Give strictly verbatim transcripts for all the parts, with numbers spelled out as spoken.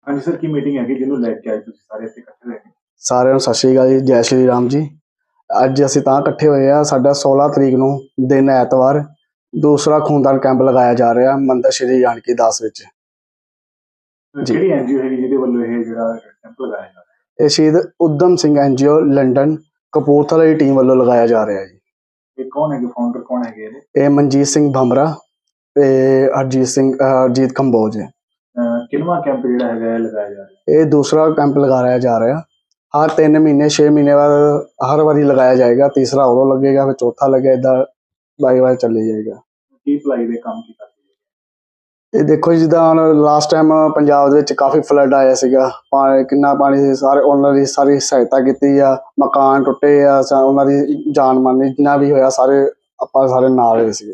हाँ जी सर, की मीटिंग हैगी ਜਿਹਨੂੰ ਲੈ ਕੇ ਆਏ ਤੁਸੀਂ ਸਾਰੇ ਇੱਥੇ ਇਕੱਠੇ ਹੋਏ ਨੇ। ਸਾਰਿਆਂ ਨੂੰ ਸਤਿ ਸ਼੍ਰੀ ਅਕਾਲ ਜੀ, ਜੈ ਸ਼੍ਰੀ ਰਾਮ ਜੀ। ਅੱਜ ਅਸੀਂ ਤਾਂ ਇਕੱਠੇ ਹੋਏ ਆ, ਸਾਡਾ ਸੋਲਾਂ ਤਰੀਕ ਨੂੰ ਦਿਨ ਐਤਵਾਰ ਦੂਸਰਾ ਖੂਨਦਾਨ ਕੈਂਪ ਲਗਾਇਆ ਜਾ ਰਿਹਾ ਮੰਦਰ ਸ਼੍ਰੀ ਜਾਨਕੀ ਦਾਸ ਵਿੱਚ। ਜੀ। ਕਿਹੜੀ ਐਨਜੀਓ ਹੈਗੀ ਜਿਹਦੇ ਵੱਲੋਂ ਇਹ ਜਿਹੜਾ ਕੈਂਪ ਲਗਾਇਆ ਜਾ ਰਿਹਾ? ਇਹ ਸ਼ਹੀਦ ਊਧਮ ਸਿੰਘ ਐਨਜੀਓ ਲੰਡਨ ਕਪੂਰਥਲਾ ਦੀ ਟੀਮ ਵੱਲੋਂ ਲਗਾਇਆ ਜਾ ਰਿਹਾ ਜੀ। ਇਹ ਕੌਣ ਹੈਗੇ, ਫਾਊਂਡਰ ਕੌਣ ਹੈਗੇ ਇਹਦੇ? ਇਹ ਮਨਜੀਤ ਸਿੰਘ ਭਮਰਾ ਤੇ ਹਰਜੀਤ ਸਿੰਘ ਹਰਜੀਤ ਕੰਬੋਜ ਹੈ। ਕਿੰਨਵਾਂ ਕੈਂਪ ਜਿਹੜਾ ਹੈਗਾ ਇਹ ਲਗਾਇਆ ਜਾ ਰਿਹਾ? ਇਹ ਦੂਸਰਾ ਕੈਂਪ ਲਗਾਇਆ ਜਾ ਰਿਹਾ। ਹਰ ਤਿੰਨ ਮਹੀਨੇ ਛੇ ਮਹੀਨੇ ਬਾਅਦ ਹਰ ਵਾਰੀ ਲਗਾਇਆ ਜਾਏਗਾ। ਤੀਸਰਾ ਉਦੋਂ ਲੱਗੇਗਾ, ਫਿਰ ਚੌਥਾ ਲੱਗੇਗਾ, ਇੱਦਾਂ ਬਾਈ ਵਾਰ ਚੱਲੀ ਜਾਏਗਾ। ਕੀ ਭਲਾਈ ਦੇ ਕੰਮ ਕੀ ਕਰਦੇ? ਇਹ ਦੇਖੋ ਜੀ, ਜਿੱਦਾਂ ਹੁਣ ਲਾਸਟ ਟਾਈਮ ਪੰਜਾਬ ਦੇ ਵਿੱਚ ਕਾਫੀ ਫਲੱਡ ਆਇਆ ਸੀਗਾ, ਪਾਣੀ ਕਿੰਨਾ ਪਾਣੀ ਸੀ, ਸਾਰੇ ਉਹਨਾਂ ਦੀ ਸਾਰੀ ਸਹਾਇਤਾ ਕੀਤੀ ਆ। ਮਕਾਨ ਟੁੱਟੇ ਆ, ਉਹਨਾਂ ਦੀ ਜਾਨ ਮਾਨੀ ਜਿੰਨਾ ਵੀ ਹੋਇਆ ਸਾਰੇ ਆਪਾਂ ਸਾਰੇ ਨਾਲ ਹੋਏ ਸੀਗੇ।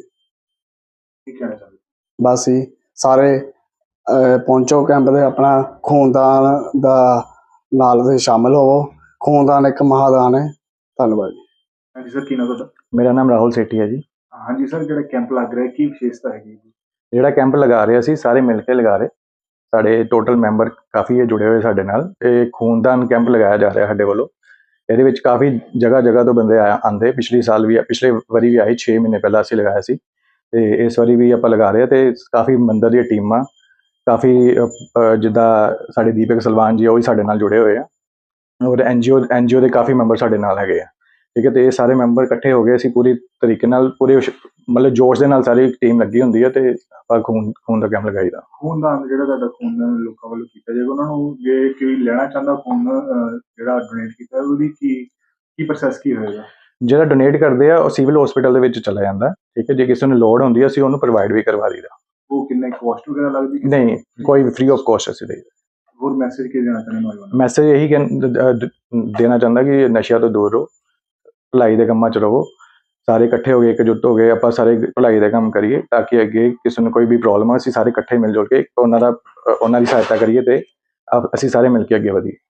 ਕੀ ਕਹਿਣਾ ਚਾਹੁੰਦੇ? ਬਸ ਜੀ, ਸਾਰੇ ਪਹੁੰਚੋ ਕੈਂਪ ਦੇ, ਆਪਣਾ ਖੂਨਦਾਨ ਦਾ ਨਾਲ ਤੁਸੀਂ ਸ਼ਾਮਿਲ ਹੋਵੋ। ਖੂਨਦਾਨ ਇੱਕ ਮਹਾਦਾਨ ਹੈ। ਧੰਨਵਾਦ ਜੀ। ਹਾਂਜੀ ਸਰ, ਕੀ ਨਾਮ ਤੁਹਾਡਾ? ਮੇਰਾ ਨਾਮ ਰਾਹੁਲ ਸੇਠੀ ਹੈ ਜੀ। ਹਾਂਜੀ ਸਰ, ਜਿਹੜਾ ਕੈਂਪ ਲੱਗ ਰਿਹਾ ਕੀ ਵਿਸ਼ੇਸ਼ਤਾ ਹੈਗੀ ਜੀ? ਜਿਹੜਾ ਕੈਂਪ ਲਗਾ ਰਹੇ ਅਸੀਂ ਸਾਰੇ ਮਿਲ ਕੇ ਲਗਾ ਰਹੇ। ਸਾਡੇ ਟੋਟਲ ਮੈਂਬਰ ਕਾਫੀ ਜੁੜੇ ਹੋਏ ਸਾਡੇ ਨਾਲ। ਇਹ ਖੂਨਦਾਨ ਕੈਂਪ ਲਗਾਇਆ ਜਾ ਰਿਹਾ ਸਾਡੇ ਵੱਲੋਂ। ਇਹਦੇ ਵਿੱਚ ਕਾਫੀ ਜਗ੍ਹਾ ਜਗ੍ਹਾ ਤੋਂ ਬੰਦੇ ਆ ਆਉਂਦੇ। ਪਿਛਲੇ ਸਾਲ ਵੀ ਪਿਛਲੇ ਵਾਰੀ ਵੀ ਆਏ, ਛੇ ਮਹੀਨੇ ਪਹਿਲਾਂ ਅਸੀਂ ਲਗਾਇਆ ਸੀ, ਤੇ ਇਸ ਵਾਰੀ ਵੀ ਆਪਾਂ ਲਗਾ ਰਹੇ ਹਾਂ। ਤੇ ਕਾਫੀ ਮੰਦਰ ਦੀਆਂ ਟੀਮਾਂ, ਕਾਫੀ ਜਿੱਦਾਂ ਸਾਡੇ ਦੀਪਕ ਸਲਵਾਨ ਜੀ ਉਹ ਵੀ ਸਾਡੇ ਨਾਲ ਜੁੜੇ ਹੋਏ ਆ, ਔਰ ਐਨ ਜੀ ਓ ਐਨ ਜੀ ਓ ਦੇ ਕਾਫੀ ਮੈਂਬਰ ਸਾਡੇ ਨਾਲ ਹੈਗੇ ਆ। ਠੀਕ ਹੈ, ਤੇ ਇਹ ਸਾਰੇ ਮੈਂਬਰ ਇਕੱਠੇ ਹੋ ਗਏ, ਅਸੀਂ ਪੂਰੀ ਤਰੀਕੇ ਨਾਲ ਪੂਰੇ ਮਤਲਬ ਜੋਸ਼ ਦੇ ਨਾਲ ਸਾਰੀ ਟੀਮ ਲੱਗੀ ਹੁੰਦੀ ਹੈ, ਤੇ ਆਪਾਂ ਖੂਨ ਖੂਨ ਦਾ ਕੈਂਪ ਲਗਾਈਦਾ। ਖੂਨਦਾਨ ਜਿਹੜਾ ਤੁਹਾਡਾ ਖੂਨਦਾਨ ਲੋਕਾਂ ਵੱਲੋਂ ਕੀਤਾ ਜਾਏਗਾ, ਉਹਨਾਂ ਨੂੰ ਜੇ ਕੋਈ ਲੈਣਾ ਚਾਹੁੰਦਾ ਖੂਨ ਜਿਹੜਾ ਡੋਨੇਟ ਕੀਤਾ, ਉਹਦੀ ਕੀ ਕੀ ਪ੍ਰੋਸੈਸ ਕੀ ਹੋਏਗਾ? ਜਿਹੜਾ ਡੋਨੇਟ ਕਰਦੇ ਆ ਉਹ ਸਿਵਲ ਹਸਪੀਟਲ ਦੇ ਵਿੱਚ ਚਲਾ ਜਾਂਦਾ। ਠੀਕ ਹੈ, ਜੇ ਕਿਸੇ ਨੂੰ ਲੋੜ ਹੁੰਦੀ ਹੈ ਅਸੀਂ ਉਹਨੂੰ ਪ੍ਰੋਵਾਈਡ ਵੀ ਕਰਵਾ ਦਈਦਾ। ਉਹ ਕਿੰਨੇ ਕੋਸਟ ਵਗੈਰਾ ਲੱਗਦੀ? ਨਹੀਂ, ਕੋਈ ਵੀ ਫ੍ਰੀ ਆਫ ਕੋਸਟ ਅਸੀਂ ਦੇਈਦਾ। ਹੋਰ ਮੈਸੇਜ ਕੀ ਦੇਣਾ ਚਾਹੁੰਦੇ ਨੌਜਵਾਨਾਂ ਨੂੰ? ਮੈਸੇਜ ਇਹੀ ਦੇਣਾ ਚਾਹੁੰਦਾ ਕਿ ਨਸ਼ਿਆਂ ਤੋਂ ਦੂਰ ਰਹੋ, ਭਲਾਈ ਦੇ ਕੰਮਾਂ 'ਚ ਰਹੋ। ਸਾਰੇ ਇਕੱਠੇ ਹੋ ਗਏ, ਇਕਜੁੱਟ ਹੋ ਗਏ, ਆਪਾਂ ਸਾਰੇ ਭਲਾਈ ਦਾ ਕੰਮ ਕਰੀਏ, ਤਾਂ ਕਿ ਅੱਗੇ ਕਿਸੇ ਨੂੰ ਕੋਈ ਵੀ ਪ੍ਰੋਬਲਮ ਆ ਅਸੀਂ ਸਾਰੇ ਇਕੱਠੇ ਮਿਲ ਜੁਲ ਕੇ ਉਹਨਾਂ ਦਾ ਉਹਨਾਂ ਦੀ ਸਹਾਇਤਾ ਕਰੀਏ, ਤੇ ਅਸੀਂ ਸਾਰੇ ਮਿਲ ਕੇ ਅੱਗੇ ਵਧੀਏ।